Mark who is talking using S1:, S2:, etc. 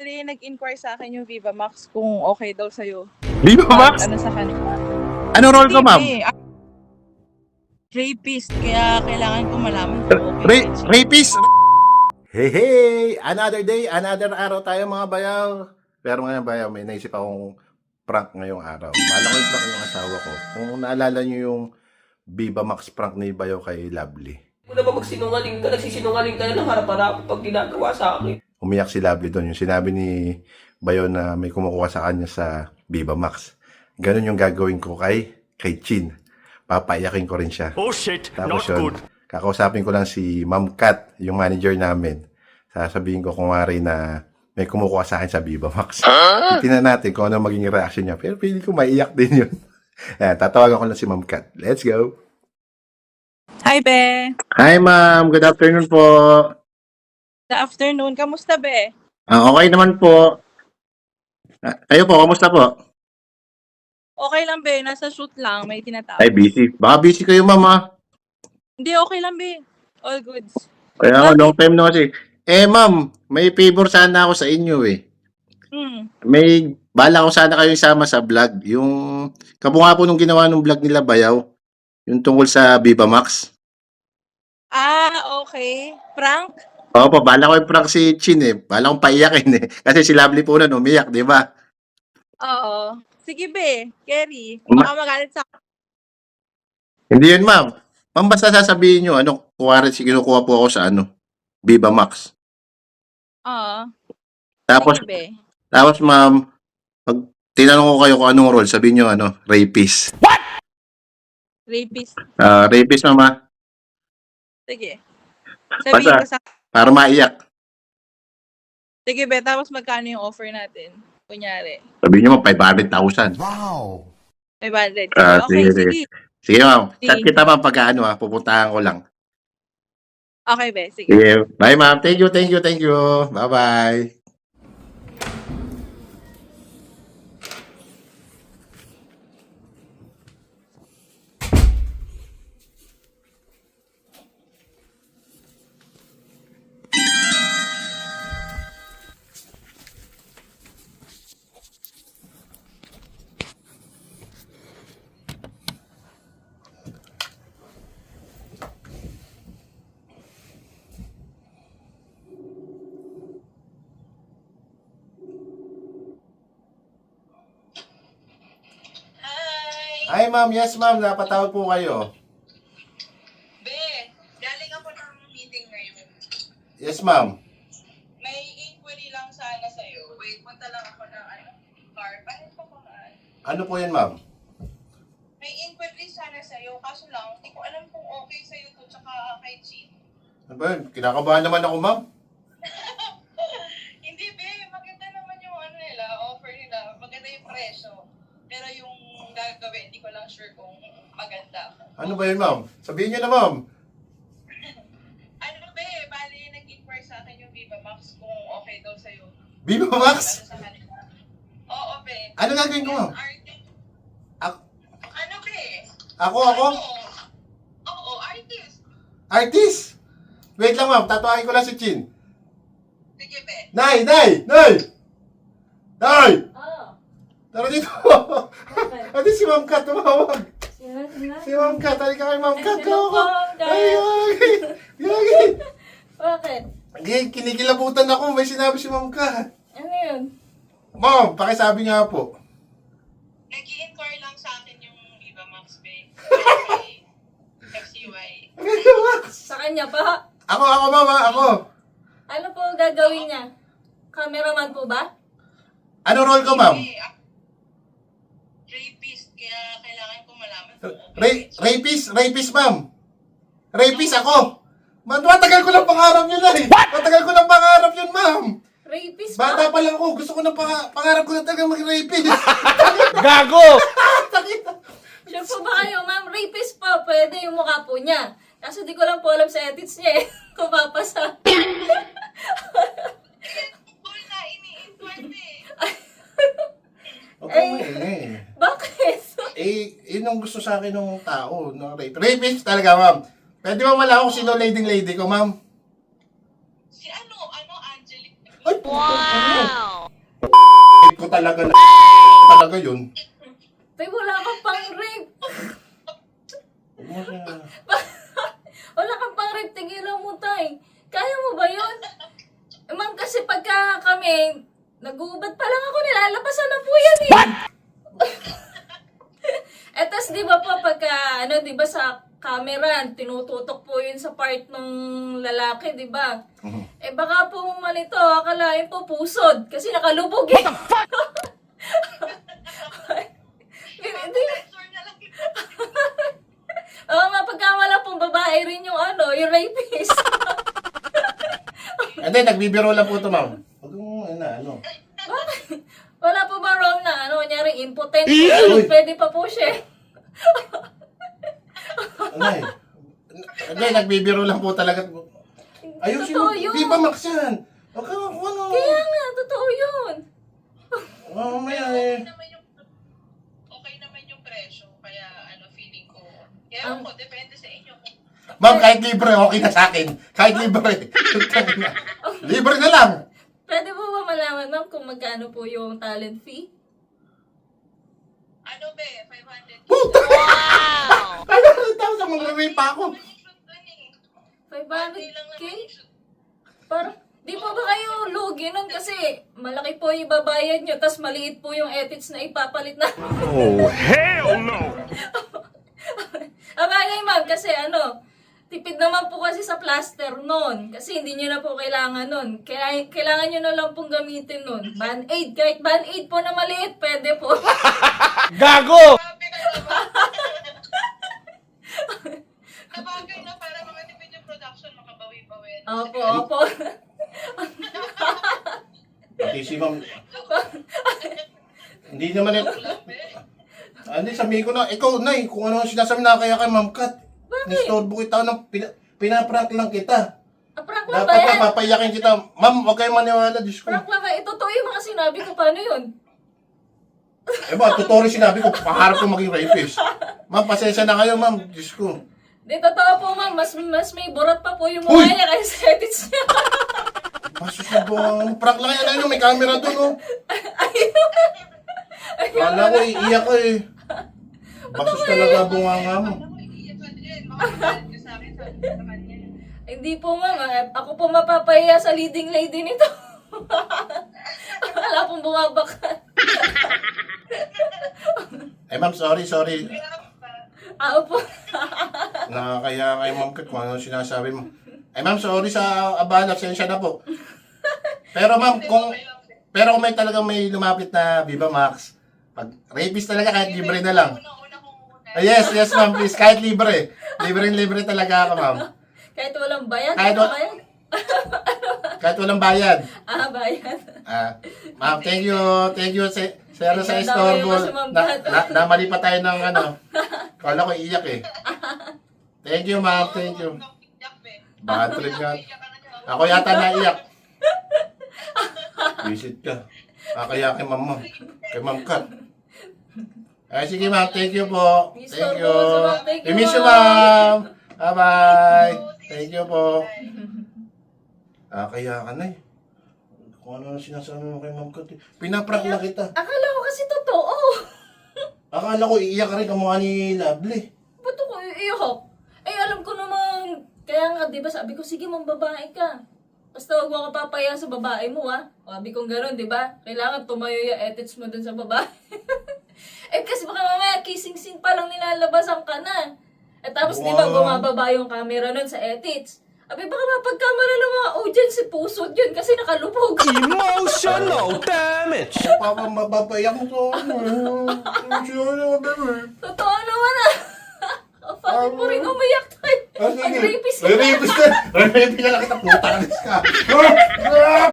S1: Bali, nag-inquire sa akin yung Viva Max kung okay daw sa'yo.
S2: Viva Max?
S1: Ano sa kanila?
S2: Ano role ko, ma'am?
S1: Rapist, kaya kailangan ko malaman kung okay.
S2: Rapist? Hey, hey! Another day, another araw tayo mga bayaw. Pero ngayon bayaw, may naisip akong prank ngayong araw. Bala ko i-prank yung asawa ko. Kung naalala nyo yung Viva Max prank ni Bayaw kay Lovely.
S3: Kung na ba magsinungaling ka, nagsisinungaling ka na ng harap-harap pag ginagawa sa akin.
S2: Umiyak si Lovely doon. Yung sinabi ni Bayaw na may kumukuha sa kanya sa Viva Max. Ganun yung gagawin ko kay Chin. Papaiyakin ko rin siya.
S4: Oh shit,
S2: Tapos
S4: not
S2: yun,
S4: good.
S2: kakausapin ko lang si Ma'am Kat, yung manager namin. Sasabihin ko kung wari na may kumukuha sa akin sa Viva Max. Titignan natin kung ano maging reaction niya. Pero pili ko maiyak din yun. Ayan, tatawagan ko lang si Ma'am Kat. Let's go!
S1: Hi, Be!
S2: Hi, ma'am. Good afternoon po.
S1: Good afternoon. Kamusta, Be?
S2: Okay naman po. Kayo po, kamusta po?
S1: Okay lang, Be. Nasa shoot lang. May tinatawag.
S2: Ay, busy. Baka busy kayo, ma'am, ha?
S1: Hindi, okay lang, Be. All goods.
S2: Kaya nga, long time na kasi. Ma'am, may favor sana ako sa inyo, eh. May bala ko sana kayo isama sa vlog. Yung kabunga po nung ginawa ng vlog nila Bayaw. Yung tungkol sa Viva Max.
S1: Okay. Prank?
S2: Opo, bala ko i-prank si Chin, eh. Bala kong paiyakin, eh. Kasi si Lovely po nun, umiyak, di ba?
S1: Oo. Sige, Be. Kerry. Baka magalit sa...
S2: Hindi yun, ma'am. Ma'am, basta sasabihin nyo, kuwari, kinukuha po ako sa Viva Max.
S1: Oo.
S2: Tapos,
S1: Sige, Be.
S2: tapos ma'am, pag tinanong ko kayo kung anong role, sabihin nyo, rapist.
S1: Rapist.
S2: Rapist, mama.
S1: Sige. Sabihin ko sa...
S2: Para maiyak.
S1: Sige, Be. Tapos magkano yung offer natin? Kunyari.
S2: Sabihin nyo, ma'am, 500,000.
S4: Wow.
S1: 500.
S2: Sige,
S1: Okay,
S2: sige.
S1: sige.
S2: Sige, ma'am. Chat
S1: Sige.
S2: kita, ma'am, pagka pupuntahan ko lang.
S1: Okay, Be. Sige.
S2: Sige. Bye, ma'am. Thank you, thank you, thank you. Bye-bye. Hi, ma'am. Yes, ma'am. Napatawag po kayo.
S1: Be, galing ako ng meeting ngayon.
S2: Yes, ma'am.
S1: May inquiry lang sana sa'yo. Wait, punta lang ako ng car. Bakit pa ko na?
S2: Ano po yan, ma'am?
S1: May inquiry sana sa'yo, kaso lang, hindi ko alam kung okay sa'yo to, tsaka kay Chi.
S2: Ano ba yun? Kinakabahan naman ako, ma'am.
S1: Hindi, Be, maganda naman yung nila, offer nila, maganda yung presyo. Pero yung gagawin, hindi ko lang sure kung maganda.
S2: Ano ba yun, ma'am? Sabihin niyo na, ma'am.
S1: Be, bali, nag-inquire sa akin yung Viva Max kung okay daw sa'yo.
S2: Viva Max?
S1: Sa kanila. Oo, Be.
S2: Ano gagawin ko, ma'am?
S1: Be?
S2: Ako?
S1: Oo, artist.
S2: Artist? Wait lang, ma'am. Tatuahin ko lang si Chin.
S1: Sige, Be.
S2: Nay! Nay! Tara dito. Ate si Ma'am Kat, tumawag. Si Ma'am Kat, halika kay Ma'am Kat. Ay.
S5: Bakit?
S2: Kinikilabutan ako, may sinabi si Ma'am Kat.
S5: Ano yun?
S2: Ma'am, pakisabi nga po.
S1: Nag-i-inquire lang sa akin yung Viva Max, Be. FCY.
S2: Viva Max!
S5: Sa kanya pa?
S2: Ako, ma'am, ako.
S5: Ano po gagawin niya? Cameraman po ba?
S2: Ano role ko, ma'am?
S1: Rapist, kaya kailangan ko malaman kung
S2: Rapist, ma'am. Rapist ako. Matagal ko ng pangarap yun, eh. Matagal ko ng pangarap yun, ma'am.
S5: Rapist ba?
S2: Bata pa lang ako, gusto ko ng pangarap ko na talaga mag-rapist.
S4: Gago!
S5: Sure po ba kayo, ma'am? Rapist po. Pwede yung mukha po niya. Kaso di ko lang po alam sa edits niya eh. Kung papasa.
S1: Kung na ini-inquire, Be.
S5: Bakit?
S2: Yun ang gusto sa akin ng tao, no? Rapist talaga, ma'am. Pwede ba malaman kung sino lady ko, ma'am?
S1: Si Angelique.
S2: Ay, wow! ko talaga na talaga yun.
S5: Tay, wala kang pang rape.
S2: Huwag mo siya.
S5: Wala kang pang rape, tigilan mo, tay. Kaya mo ba yun? Ma'am, kasi pagka kami, nag-uubad pa lang ako, nilalabasan na po yan eh. Etas, di ba po, pagka, di ba sa camera, tinututok po yun sa part ng lalaki, di ba? Eh baka po malito, akalain po pusod, kasi nakalubog eh. What the fuck?
S1: Sensor na lang kita.
S5: Oo nga, pagkamala pong babae rin yung yung rapist.
S2: Hindi, nagbibiro lang po ito, ma'am. Huwag mo, ano.
S5: Bakit? Wala po ba wrong na, kunyari impotent?
S2: Uy!
S5: Pwede pa po siya.
S2: Ano eh. Hindi, nagbibiro lang po talaga. Ayusin mo,
S5: Totoo yun.
S2: di ba Max yan? Huwag ka, ano.
S5: Kaya nga, totoo yun.
S2: Mamaya eh.
S1: Okay naman yung presyo. Kaya feeling ko. Kaya ako, depende sa inyo.
S2: Ma'am, kahit libre, okay na sa akin. Kahit libre. Libre na lang.
S5: Pwede po ba malaman, ma'am, kung magkano po yung talent fee?
S1: Ano be? 500.
S2: Puta! Wow! Ano, tapos ang mag-rape pa ako.
S5: 500K? Parang, di po ba kayo lugi nun kasi malaki po yung babayad nyo, tas maliit po yung edits na ipapalit na.
S4: Oh, hell no!
S5: Abagay ma'am, kasi tipid naman po kasi sa plaster nun. Kasi hindi nyo na po kailangan nun. Kailangan nyo na lang pong gamitin nun. Band-aid, kahit band-aid po na maliit, pwede po.
S4: Gago!
S1: Sabi ka naman. Nabagay na para makatipid yung production, makabawi-bawi.
S5: Opo.
S2: Pati si ma'am. Hindi naman eh. Ano, sabihin ko na, ikaw, Nay, kung ano ang sinasabi na kaya kay Ma'am Kat. Nistorbo kita ng pinaprank lang kita.
S5: Prank lang ba
S2: Dapat
S5: yan?
S2: na papayakin kita. Ma'am, huwag kayong maniwala, Diyos ko.
S5: Prank lang ba? Totoo yung mga sinabi ko, paano yun?
S2: Eh ba, totoo rin sinabi ko, paharap ko maging rapist. Ma'am, pasensya na kayo, ma'am. Diyos ko.
S5: Di, totoo po ma'am, mas may burat pa po yung
S2: Uy!
S5: mukha niya kaysa sa edits niya.
S2: Masus na ba? Prank lang yan. Ayun, may camera doon, oh. Kala ko, iiyak ko eh. Basus talaga bunganga mo.
S1: Ako, iiyak ka din. Makakalit ka sa akin, sabi ko sa kanya.
S5: Hindi po ma'am, ako po mapapahiya sa leading lady nito. Wala pong bumabakan.
S2: Eh, ma'am, sorry.
S5: Po.
S2: Nakakaya kay Ma'am Kat kung ano sinasabi mo. Eh, ma'am, sorry sa abala. Sensya na po. Pero, ma'am, kung may talagang may lumapit na Viva Max, pag rapist talaga, kahit libre na lang.
S1: Una kong una.
S2: Yes, ma'am, please. Kahit libre. Libre talaga ako, ma'am.
S5: Kahit walang bayad,
S2: Kahit
S5: ano
S2: wa-
S5: bayad?
S2: Kahit walang bayad.
S5: Bayad.
S2: Ma'am, thank you. Sir, sa
S5: Ang dami
S2: istorbo.
S5: mo si Ma'am Kat.
S2: Namali pa tayo ng Kala ko iiyak eh. Thank you, ma'am. Thank you. Bad trip nga. Ako yata naiyak. Visit ka. Kaya kay ma'am mo. Kay Ma'am Kat. Ay, sige ma'am. Thank you po. Thank you.
S5: Thank you,
S2: I miss you,
S5: ma'am.
S2: ma'am. Bye-bye. Thank you po. Kaya ka na eh. Kung ano ang sinasabi mo kay Ma'am Kat. Pinaprank lang kita.
S5: Akala ko kasi totoo.
S2: Akala ko iiyak ka rin kamukha ni Lovely.
S5: Ba't ako iiyak? Alam ko naman. Kaya nga, di ba sabi ko, sige mong babae ka. Basta huwag mo ka papaya sa babae mo, ha? Sabi kong gano'n, di ba? Kailangan tumayo yung edits mo dun sa babae. Kasi baka mamaya kissing scene pa lang nilalabasan ka na. Tapos di ba bumababa yung camera nun sa edits. Abi baka mapagkamera ng mga audience si pusod yun kasi nakalubog.
S4: Emotional damage!
S2: Mapapayak mo sa
S5: Totoo naman ah. Kapag mo rin umiyak tayo. Ang rapist
S2: Rapist na! Rapist na lang kita, puta ka.